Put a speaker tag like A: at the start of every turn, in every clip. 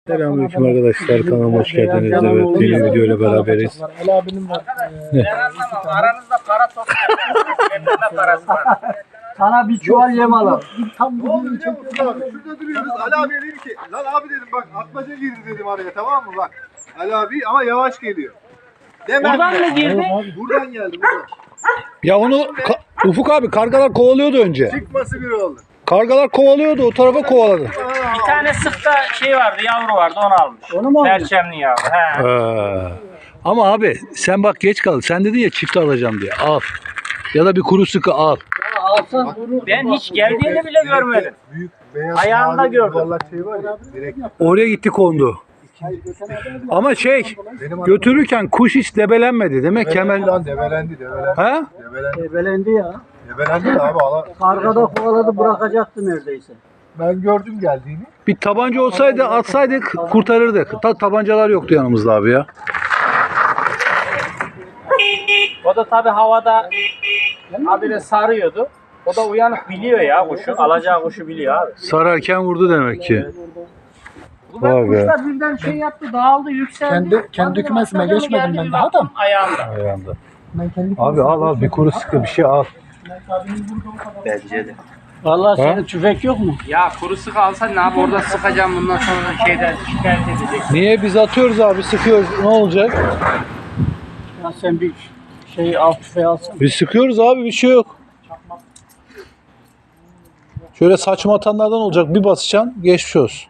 A: Selamünaleyküm arkadaşlar, kanalıma hoş geldiniz. Evet, yeni video ile beraberiz.
B: Ali abinin var.
C: Ben anlamam. Aranızda para topluyorsunuz. Bende parası var.
B: Sana bir çuval yem alalım. Tam
D: Ne oldu biliyor musun abi? Şurada duruyoruz. Ali abiye dedim ki, lan abi dedim bak atmaca girdi dedim araya, tamam mı bak. Ali abi ama yavaş geliyor. Demem
C: Buradan
D: ya.
C: mı girdi?
D: Buradan geldi buradan.
A: Ya onu Ufuk abi kargalar kovalıyordu önce.
D: Çıkması bir oldu.
A: Kargalar kovalıyordu, o tarafa kovaladı.
C: Bir tane sıkta şey vardı, yavru vardı, onu almış.
B: Onu mu aldın?
C: Perçemli yavru. He.
A: Ama abi sen bak geç kaldın. Sen dedin ya çift alacağım diye. Al. Ya da bir kuru sıkı al.
B: Alsan bunu.
C: Ben hiç geldiğini bile görmedim.
D: Büyük beyaz
C: Ayağında
D: mavi
C: gördüm.
D: yuvarlak şey var ya. Direkt
A: Oraya gitti kondu. Ama götürürken kuş hiç debelenmedi. Demek ki hemen...
D: lan debelendi.
A: Ha?
B: Ebelendi ya.
D: Debelendi de abi
B: Kargada kovaladı bırakacaktı neredeyse.
D: ben gördüm geldiğini.
A: Bir tabanca olsaydı atsaydık kurtarırdık. Tabancalar yoktu yanımızda abi ya.
C: O da tabi havada habire sarıyordu. O da uyanık biliyor ya kuşu. Alacağı kuşu biliyor abi.
A: Sararken vurdu demek ki. Vay be.
C: Kuşlar birden şey yaptı, dağıldı, yükseldi.
B: Kendi kümesime geçmedim ben daha da.
C: Ayağında.
A: Ayağında.
B: Ben kendi
A: Abi al bir kuru sıkı bir şey al.
C: Bence de.
B: Vallahi senin tüfek yok mu?
C: Ya kuru sık alsan ne yap, orada sıkacağım, bundan sonra şeyden şikayet edecek.
A: Niye biz atıyoruz abi sıkıyoruz ne olacak?
B: Ya sen bir alt tüfeği alsan.
A: Biz sıkıyoruz abi bir şey yok. Şöyle saçma atanlardan olacak bir basacaksın geçmiş olsun.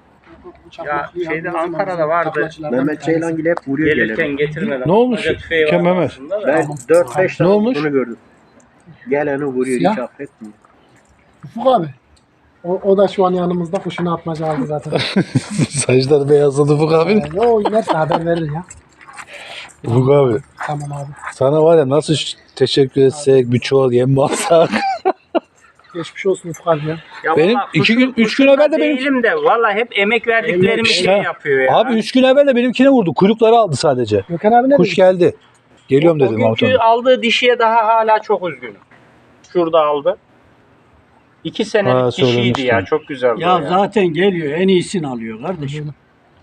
C: Ya şeyde Ankara'da vardı.
E: Mehmet Ceylan hep vuruyor
C: Gelirken
E: geleni.
C: getirmeden.
A: Ne olmuş?
C: Hoca tüfeği
A: Kim
C: vardı
A: Mehmet?
C: aslında da.
E: Ben 4-5 tane
A: olmuş?
E: bunu gördüm. Geleni vuruyor
B: Siyah.
E: hiç affetmiyor.
B: Ufuk abi. O da şu an yanımızda kuşunu atmaca aldı zaten.
A: Saçları beyazladı Ufuk abi.
B: Yo inerse haber verir ya.
A: Ufuk abi
B: Tamam abi.
A: sana var ya nasıl teşekkür etsek bir çuval yem mi alsak?
B: Geçmiş olsun Ufuk abi ya.
C: Ya
A: Benim
C: vallahi
A: 2 gün 3 gün
C: kuşunda
A: evvel de benim
C: değilim de vallahi hep emek verdiklerimi şey yapıyor ya.
A: Abi 3 gün evvel de benimkine vurdu. Kuyrukları aldı sadece.
B: Gökhan abi ne
A: Kuş
B: dedi?
A: geldi. Geliyorum
C: o
A: dedim
C: günkü
A: Mahmut
C: aldığı dişiye daha hala çok üzgünüm. Şurada aldı. 2
A: Ha,
C: senelik dişiydi
A: söylemiştin.
C: ya, çok güzeldi.
F: Ya zaten geliyor, en iyisini alıyor kardeşim.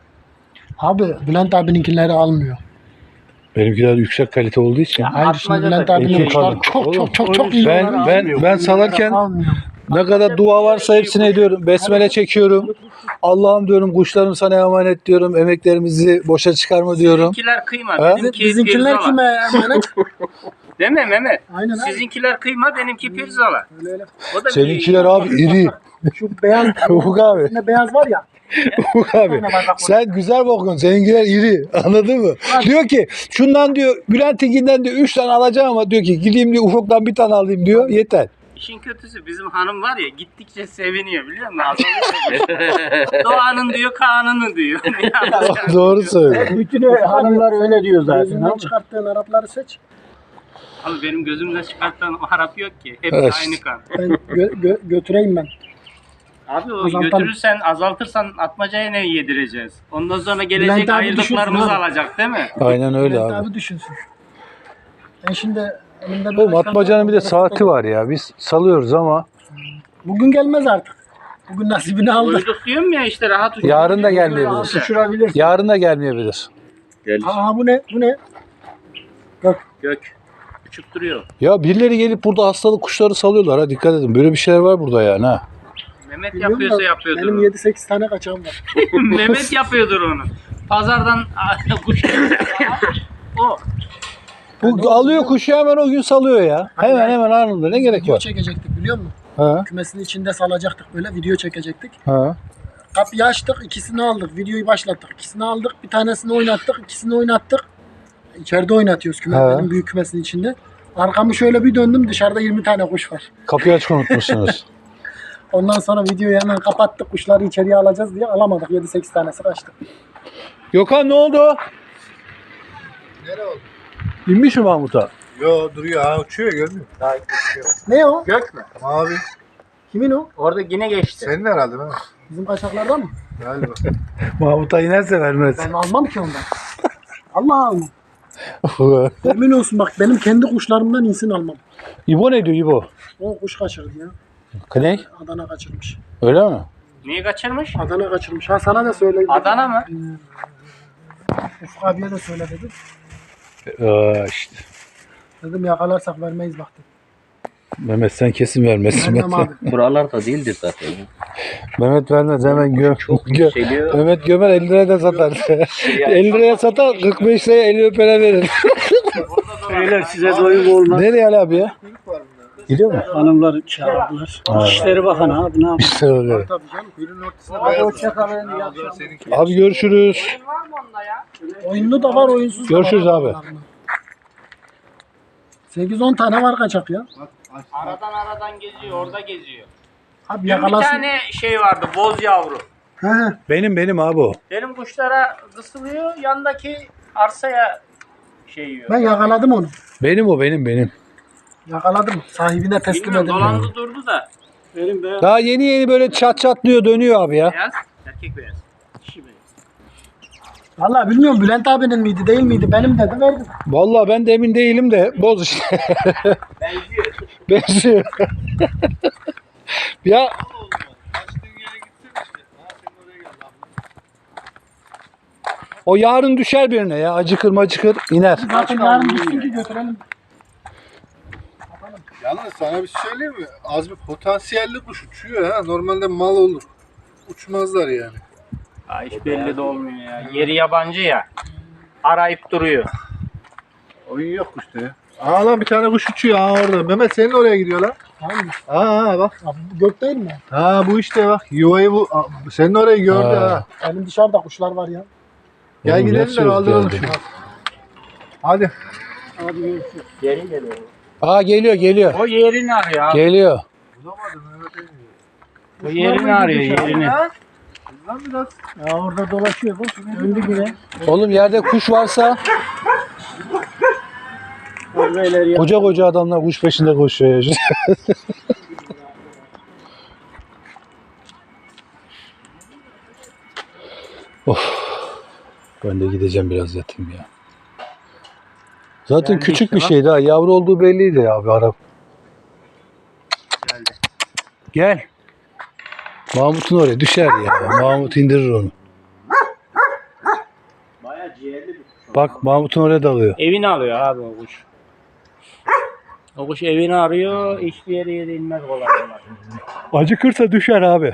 B: Abi Bülent abininkileri almıyor.
A: Benimkiler yüksek kalite olduğu için.
B: Hayır şimdi
C: atmaca da
B: Bülent abinin
A: iki
B: kuşlar
A: kadın.
B: çok iyi.
A: Ben salarken
B: Almıyor.
A: ne kadar dua varsa hepsini ediyorum. Besmele çekiyorum. Allah'ım diyorum kuşlarım sana emanet diyorum. Emeklerimizi boşa çıkarma diyorum.
C: Sizinkiler kıyma.
A: Ha?
B: Bizimkiler kime emanet?
C: Değil mi Mehmet?
B: Aynen abi.
C: Sizinkiler kıyma, benimki pirzola.
B: Öyle.
C: O da
A: Seninkiler abi iri.
B: Şu beyaz,
A: Ufuk abi.
B: üstünde beyaz var ya.
A: Ufuk abi. Sen güzel bakıyorsun. Seninkiler iri. Anladın mı? Diyor ki şundan diyor Bülent'inkinden diyor 3 tane alacağım ama diyor ki gideyim diyor Ufuk'tan bir tane alayım diyor. Yeter.
C: İşin kötüsü bizim hanım var ya, gittikçe seviniyor biliyor musun? Azalıyor. Doğanın diyor, Kaan'ın diyor.
A: Doğru söylüyor.
F: Bütün hanımlar öyle diyor zaten.
B: Gözünden çıkarttığın Arapları seç.
C: Abi benim gözümden çıkartan Arap yok ki. Hepsi
A: Evet.
C: aynı kan.
B: Ben götüreyim ben.
C: Abi o
B: Azaltalım.
C: götürürsen, azaltırsan atmacaya ne yedireceğiz? Ondan sonra
B: Bülent
C: gelecek
B: abi
C: ayırdıklarımızı
B: düşünsün abi.
C: alacak değil mi?
A: Aynen öyle
B: Bülent
A: abi.
B: abi düşünsün. Ben şimdi elimde
A: Oğlum atmacanın bir de saati var ya. Biz salıyoruz ama
B: Bugün gelmez artık. Bugün nasibini aldı.
C: Uyduk diyorum ya işte, rahat uçuyor.
A: yarın da gelmeyebilir.
F: Sıçrabilir.
A: Yarın da gelmeyebilir.
B: Aa bu ne? Bu ne?
C: Gök. Uçup duruyor.
A: Ya birileri gelip burada hastalık kuşları salıyorlar ha dikkat edin. Böyle bir şeyler var burada yani ha.
C: Mehmet
B: Biliyorum
C: yapıyorsa
B: da
C: yapıyordur.
B: Benim
C: onu.
B: 7-8 tane kaçağım var.
C: Mehmet yapıyordur onu. Pazardan kuş o.
A: Bu alıyor kuşu hemen o gün salıyor ya. Hemen anında ne gerek
B: Video
A: var?
B: çekecektik biliyor musun?
A: Ha
B: Kümesin içinde salacaktık böyle video çekecektik.
A: ha.
B: Kapıyı açtık, ikisini aldık. Videoyu başlattık. İkisini aldık. Bir tanesini oynattık, ikisini oynattık. İçeride oynatıyoruz benim büyük kümesin içinde. Arkamı şöyle bir döndüm, dışarıda 20 tane kuş var.
A: Kapıyı açık unutmuşsunuz.
B: Ondan sonra videoyu hemen kapattık. Kuşları içeriye alacağız diye alamadık. 7-8 tanesi kaçtı.
A: Gökhan ne oldu?
D: Nere oldu?
A: İnmiş mi Mahmut'a?
D: Yo duruyor ha, uçuyor görmüyor.
B: Ne o?
C: Gök mü?
D: Mavi.
B: Kimin o?
C: Orada yine geçti.
D: Senin herhalde değil mi?
B: Bizim kaçaklardan mı?
D: Galiba.
A: Mahmut'a inerse vermez.
B: Ben almam ki ondan. Allah Allah. Emin olsun bak benim kendi kuşlarımdan insin almam.
A: İbo ne diyor İbo?
B: O kuş kaçırdı ya.
A: Ne?
B: Adana kaçırmış.
A: Öyle mi?
C: Niye kaçırmış?
B: Adana kaçırmış. Ha sana da söyleyeyim.
C: Adana mı?
B: Ufuk abiye de söyle dedim.
A: İşte.
B: Dedim yakalarsak vermeyiz bak dedim.
A: Mehmet sen kesin vermezsin.
B: Vermem abi.
E: Buralarda değildir zaten.
A: Mehmet vermez hemen
E: Çok yükseliyor.
A: Mehmet gömer 50 liraya da satar. 50 liraya satar 45 liraya 50 para verir.
F: Beyler size doyum olmaz.
A: Nereye Ali abi ya? Gidiyor mu?
F: Hanımlar çağırdılar. İşleri bakın abi ne yapayım.
A: İşte öyle.
B: Tabii canım.
D: Gülün ortasına beyaz.
F: Hoşçakalın. İyi akşamlar.
D: Seninki.
A: Abi görüşürüz.
C: Oyun var mı onda ya?
B: Oyunlu da var, oyunsuz da
A: Görüşürüz
B: var.
A: abi.
B: 8-10 tane var kaçak ya.
C: Aradan geziyor, orada geziyor.
B: Abi
C: Bir
B: yakalasın.
C: tane şey vardı, boz yavru.
B: He.
A: Benim abi o.
C: Benim kuşlara kısılıyor, yandaki arsaya şey yiyor.
B: Ben yakaladım onu.
A: Benim o benim.
B: Yakaladım. Sahibine teslim
C: Bilmiyorum,
B: edildi.
C: dolandı durdu da.
F: Benim beyaz.
A: Daha yeni böyle çatlıyor dönüyor abi ya.
C: Beyaz, erkek beyaz. Dişi beyaz.
B: Valla bilmiyorum Bülent abinin miydi değil miydi benim dedi verdim.
A: Vallahi ben de emin değilim de boz işte.
C: Benziyor.
A: Benziyor. Ya
D: Açtığın yere gitsin işte. Ha senin oraya gel lan.
A: o yarın düşer birine ya. Acıkır iner.
B: Zaten yarın gitsin ki götürelim.
D: Yalnız sana bir şey söyleyeyim mi? Az bir potansiyelli kuş uçuyor ha. Normalde mal olur. Uçmazlar yani.
C: Ha, hiç belli de olmuyor ya. Yeri yabancı ya. Arayıp duruyor.
D: Oyun yok kuşta ya. Aa lan bir tane kuş uçuyor ha orada. Mehmet senin oraya gidiyor lan.
B: Hangi?
D: Aa bak.
B: Abi bu gök değil mi?
D: Ha bu işte bak. Yuvayı bu. Senin orayı gördü
A: Ha.
D: ha.
B: Benim dışarıda kuşlar var ya.
D: Gel
A: Oğlum,
D: gidelim
A: nasıl
D: de kaldıralım
A: geldi?
D: şunu. Hadi.
C: Geri geliyor.
A: Aa geliyor.
C: O yerini arıyor abi.
A: Geliyor.
D: Bulamadım Mehmet Emin.
C: O yerini arıyor, yerini.
D: Lan biraz.
B: Ya orada dolaşıyor bu. Döndü yine.
A: Oğlum yerde kuş varsa
F: Beyler ya.
A: koca adamlar kuş peşinde koşuyor ya. Of. Ben de gideceğim biraz yatayım ya. Zaten
C: Geldi
A: küçük
C: işte
A: bir
C: bak.
A: şeydi ha. Yavru olduğu belliydi ya abi Arap.
C: Geldi.
A: Gel. Mahmut'un oraya düşer ya. Mahmut indirir onu.
C: Bayağı ciğerli bir kuş.
A: Bak Mahmut'un oraya dalıyor.
C: Evini alıyor abi o kuş. O kuş evini arıyor, hiçbir yere inmez kolay kolay.
A: Acıkırsa düşer abi.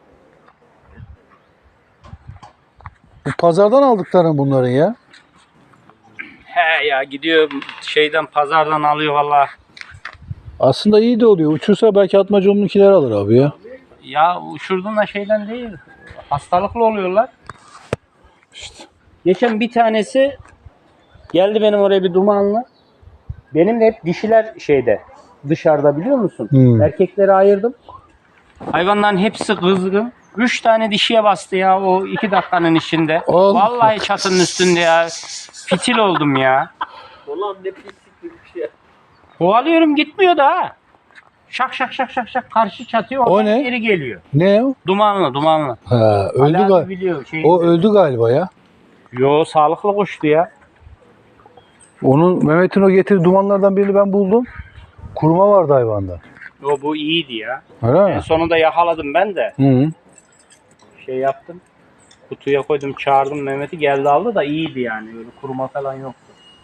A: Bu pazardan aldıkların bunların ya.
C: He ya gidiyor şeyden pazardan alıyor valla.
A: Aslında iyi de oluyor. Uçursa belki Atmacaoğlu'nunkiler alır abi ya.
C: Ya uçurduğunda şeyden değil. Hastalıklı oluyorlar.
A: İşte.
C: Geçen bir tanesi geldi benim oraya bir dumanlı. Benim de hep dişiler şeyde dışarıda biliyor musun?
A: Hmm.
C: Erkekleri ayırdım. Hayvanların hepsi kızgın. 3 tane dişiye bastı ya o 2 dakikanın içinde.
A: Oğlum.
C: Vallahi çatının üstünde ya. Fitil oldum ya.
E: Ulan ne pislik bir şey.
C: Kovalıyorum gitmiyor da ha. Şak karşı çatıyor.
A: O
C: oradan
A: ne?
C: Geri geliyor.
A: Ne o?
C: Dumanlı.
A: Ha, öldü
C: Ali abi
A: galiba.
C: biliyor.
A: O öldü galiba ya.
C: Yo sağlıklı kuştu ya.
A: Onun Mehmet'in o getirdiği dumanlardan birini ben buldum. Kuruma vardı hayvanda.
C: Yo bu iyiydi ya.
A: Öyle
C: En
A: mi?
C: sonunda yakaladım ben de.
A: Hı.
C: Şey yaptım. Kutuya koydum çağırdım Mehmet'i geldi aldı da iyiydi yani. Öyle kuruma falan yoktu.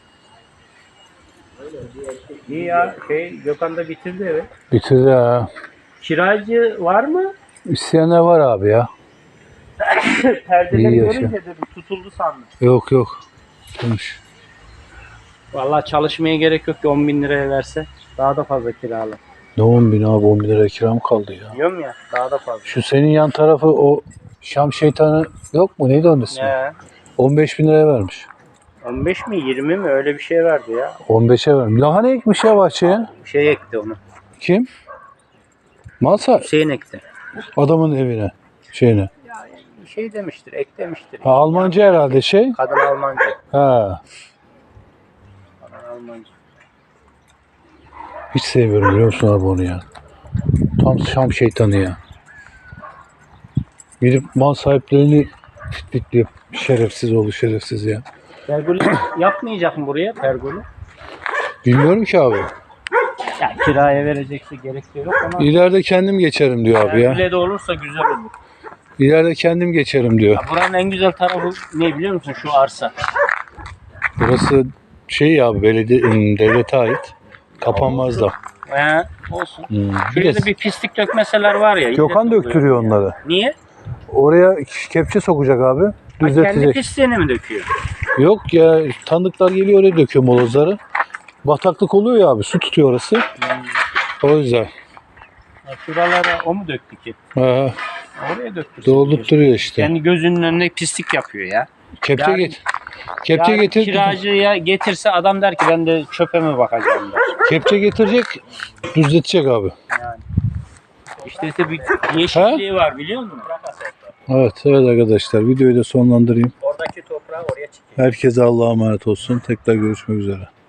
C: İyi ya Gökhan da bitirdi evet.
A: Bitirdi ha.
C: Kiracı var mı?
A: İsteyenler var abi ya.
C: Perdeleri
A: İyi yaşa.
C: görünce dedim tutuldu sandım.
A: Yok. Tutmuş.
C: Vallahi çalışmaya gerek yok ki 10.000 liraya verse daha da fazla kiralar.
A: Ne 10 bin abi 10 bin lira kira mı kaldı ya?
C: Diyorum ya daha da fazla.
A: Şu senin yan tarafı o Şam şeytanı yok mu? Neydi onun ismi?
C: Ne?
A: 15 bin liraya vermiş.
C: 15 mi 20 mi öyle bir şey verdi ya.
A: 15'e vermiş. Lahana ekmiş ya bahçeye.
C: Bir şey ekti onu.
A: Kim? Malsa
C: Hüseyin ekti.
A: adamın evine. Şeyine.
C: Bir şey demiştir, ek demiştir.
A: Ha, Almanca herhalde şey.
C: Kadın Almanca.
A: Ha.
C: Kadın Almanca.
A: Hiç sevmiyorum biliyor musun abi onu ya. Tam Şam şeytanı ya. Gidip mal sahiplerini fitliyor. Şerefsiz oldu şerefsiz ya.
C: Pergolü yapmayacak mı buraya pergolü?
A: Bilmiyorum ki abi.
C: Ya kiraya verecekse gerek de yok ama
A: İleride kendim geçerim diyor abi ya.
C: pergole de olursa güzel olur.
A: İleride kendim geçerim diyor.
C: Ya buranın en güzel tarafı ne biliyor musun? Şu arsa.
A: Burası şey ya belediye devlete ait. Kapanmaz da.
C: Olsun.
A: Bir
C: Şuraya
A: de
C: da bir pislik dökmeseler var ya.
A: Gökhan
C: millet
A: döktürüyor
C: oluyor.
A: onları.
C: Niye?
A: Oraya kepçe sokacak abi.
C: Ha, kendi
A: Düzeltecek.
C: pisliğini mi döküyor?
A: Yok ya tanıdıklar geliyor oraya döküyor molozları. Bataklık oluyor ya abi. Su tutuyor orası. O yüzden.
C: Ha, şuralara o mu döktü ki?
A: Ha,
C: Oraya döktü.
A: doldurtturuyor işte.
C: Kendi gözünün önüne pislik yapıyor ya.
A: Kepçe
C: Yani-
A: get. Kepçe
C: Yani
A: getir.
C: kiracıya getirse adam der ki ben de çöpe mi bakacağım der.
A: Kepçe getirecek. Düzletecek abi.
C: İşte bir yeşilliği var biliyor musun?
A: Evet arkadaşlar videoyu da sonlandırayım.
C: Oradaki toprağı oraya çıkıyor.
A: Herkese Allah'a emanet olsun. Tekrar görüşmek üzere.